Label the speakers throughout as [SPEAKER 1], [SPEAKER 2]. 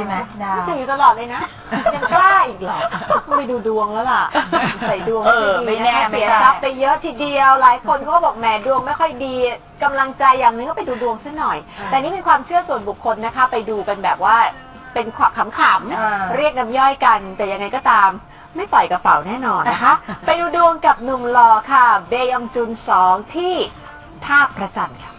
[SPEAKER 1] ช่ไหม
[SPEAKER 2] ถืออยู่ตลอดเลยนะยังกล้าอีกเหรอไปดูดวงแล้วล่ะใส่ดวงไม่แน่เสียทรัพย์ไปเยอะทีเดียวหลายคนก็บอกแหมดวงไม่ค่อยดีกำลังใจอย่างนึงก็ไปดูดวงซะหน่อยแต่นี่เป็นความเชื่อส่วนบุคคลนะคะไปดูกันแบบว่าเป็นขำๆเรียกน้ำย่อยกันแต่ยังไงก็ตามไม่ปล่อยกระเป๋าแน่นอนนะคะไปดูดวงกับหนุ่มหล่อค่ะเบยองจุน2ที่ท่าพระจันทร์ค่ะ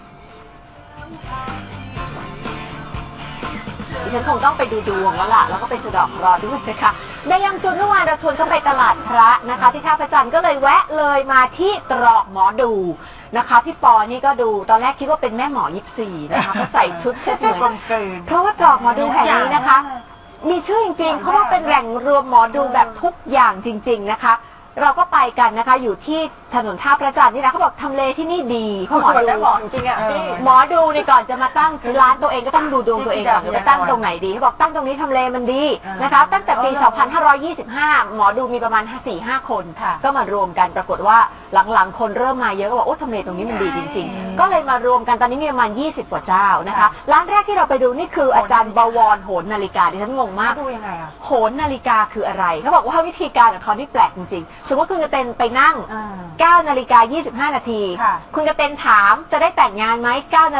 [SPEAKER 2] ดิฉันคงต้องไปดูดวงแล้วล่ะแล้วก็ไปสะเดาะเคราะห์ด้วยนะคะเบยองจุนเมื่อวานเราชวนเขาไปตลาดพระนะคะที่ท่าพระจันทร์ก็เลยแวะเลยมาที่ตรอกหมอดูนะคะพี่ปอนี่ก็ดูตอนแรกคิดว่าเป็นแม่หมอ24นะคะเขาใส่ชุดเช็ดเหมือนเพราะว่าตรอกหมอดูแห่งนี้นะคะมีชื่อจริงๆเขาว่าเป็นแหล่งรวมหมอดูแบบทุกอย่างจริงๆนะคะเราก็ไปกันนะคะอยู่ที่ถนนท่าพระจันทร์นี่นะเขาบอกทำเลที่นี่ดีเพราะหมอดูบอกจริงๆอ่ะหมอดูในก่อนจะมาตั้งร้านตัวเองก็ต้องดูดวงตัวเองก่อนจะตั้งตรงไหนดีเขาบอกตั้งตรงนี้ทำเลมันดีนะคะตั้งแต่ปี 2525 หมอดูมีประมาณ 4-5 คนก็มารวมกันปรากฏว่าหลังๆคนเริ่มมาเยอะก็บอกโอ้ทำเลตรงนี้มันดีจริงๆก็เลยมารวมกันตอนนี้มีประมาณ20 กว่าเจ้านะคะร้านแรกที่เราไปดูนี่คืออาจารย์บวรโหนนาฬิกาดิฉันงงมาก
[SPEAKER 1] ดูยังไงอ่ะ
[SPEAKER 2] โหนนาฬิกาคืออะไรเขาบอกว่าวิธีการของเขาที่แปลกจริงๆสมมติคุณจะเป็นไปนั่ง9:25 นาทีคุณจะเป็นถามจะได้แต่งงานไหม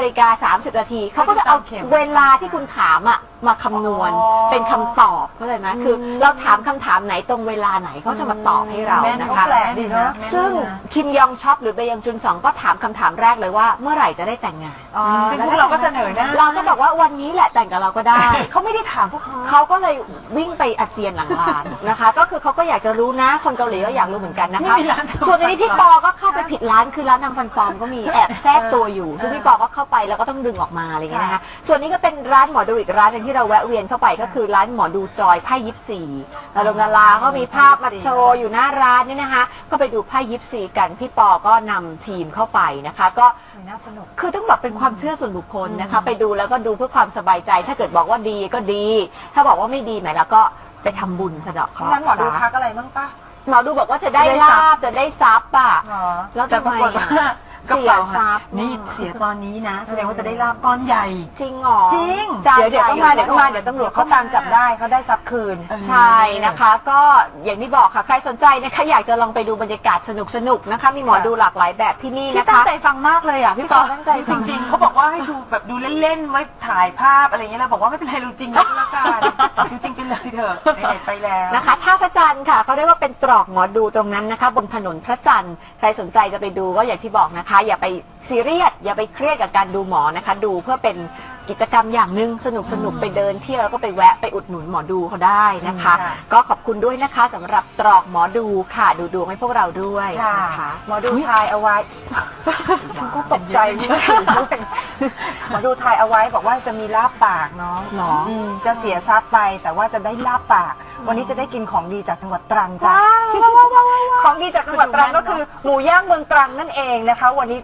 [SPEAKER 2] 9:30 นาทีเขาก็จะเอาเวลาที่คุณถามอ่ะมาคำนวณเป็นคำตอบเข้าใจไหมคือเราถามคำถามไหนตรงเวลาไหนเขาจะมาตอบให้เรานะคะซึ่งคิมยองช็อปหรือเบยองจุน2ก็ถามคำถามแรกเลยว่าเมื่อไหร่จะได้แต่งงาน
[SPEAKER 1] ซึ่งพวกเราก็เสนอนะ
[SPEAKER 2] เราก็บอกว่าวันนี้แหละแต่งกับเราก็ได้
[SPEAKER 1] เขาไม่ได้ถามพวก
[SPEAKER 2] เขาก็เลยวิ่งไปอาเจียนหลังร้านนะคะก็คือเขาก็อยากจะรู้นะคนเกาหลีก็อยากรู้เหมือนกันนะคะส่วนนี้พี่ปอก็เข้าไปผิดร้านคือร้านนางฟันปลอมก็มีแอบแทรกตัวอยู่ซึ่งพี่ปอก็เข้าไปแล้วก็ต้องดึงออกมาอะไรอย่างเงี้ยนะคะส่วนนี้ก็เป็นร้านหมอดูอีกร้านนึงที่เราแวะเวียนเข้าไปก็คือร้านหมอดูจอยไพ่24ดาราเขามีภาพมาโชว์อยู่หน้าร้านนี่นะคะก็ไปดูไพ่24กันพี่ปอก็นำทีมเข้าไปนะคะก็
[SPEAKER 1] น่าสนุก
[SPEAKER 2] คือต้องบอกเป็นความเชื่อส่วนบุคคลนะคะไปดูแล้วก็ดูเพื่อความสบายใจถ้าเกิดบอกว่าดีก็ดีถ้าบอกว่าไม่ดีไหนแล้วก็ไปทำบุญสะเดาะเคราะห์
[SPEAKER 1] นั้นหมอดูทักอะไรบ้างปะ
[SPEAKER 2] หมอดูบอกว่าจะได้ลาบจะได้ทรัพย์อ่ะแล้วแต่ปรากฏว่า
[SPEAKER 1] เสียทรัพย์นี่เสียตอนนี้นะแสดงว่าจะได้ลาบก้อนใหญ่
[SPEAKER 2] จริงหรอ
[SPEAKER 1] จริงเดี๋ยวก็มาเดี๋ยวตำรวจเขาตามจับได้เขาได้ทรัพย์คืน
[SPEAKER 2] ใช่นะคะก็อย่างที่บอกค่ะใครสนใจนะคะอยากจะลองไปดูบรรยากาศสนุกนะคะมีหมอดูหลากหลายแบบที่นี่นะคะ
[SPEAKER 1] ตั้งใจฟังมากเลยอ่ะพี่ปอตั้งใจจริงๆเขาบอกว่าให้ดูแบบดูเล่นๆไว้ถ่ายภาพอะไรเงี้ยแล้วบอกว่าไม่เป็นไรดูจริงแล้วกันดูจริงไปเลยเถอะไปแล้ว
[SPEAKER 2] นะคะท่าพระจันทร์ค่ะเขาเรียกว่าเป็นตรอกหมอดูตรงนั้นนะคะบนถนนพระจันทร์ใครสนใจจะไปดูก็อย่างที่บอกนะคะอย่าไปซีเรียสอย่าไปเครียดกับการดูหมอนะคะดูเพื่อเป็นกิจกรรมอย่างหนึ่งสนุกไปเดินเที่ยวแล้วก็ไปแวะไปอุดหนุนหมอดูเขาได้นะคะก็ขอบคุณด้วยนะคะสำหรับตรอกหมอดูค่ะดูดวงให้พวกเราด้วยนะคะ
[SPEAKER 1] หมอดูทายเอาไว้ฉันก็ตกใจด้วยหมอดูทายเอาไว้บอกว่าจะมีลาบปากเนาะจะเสียทรัพย์ไปแต่ว่าจะได้ลาบปากวันนี้จะได้กินของดีจากจังหวัดตรังจ้ะของดีจากจังหวัดตรังก็คือหมูย่างเมืองตรังนั่นเองนะคะวันนี้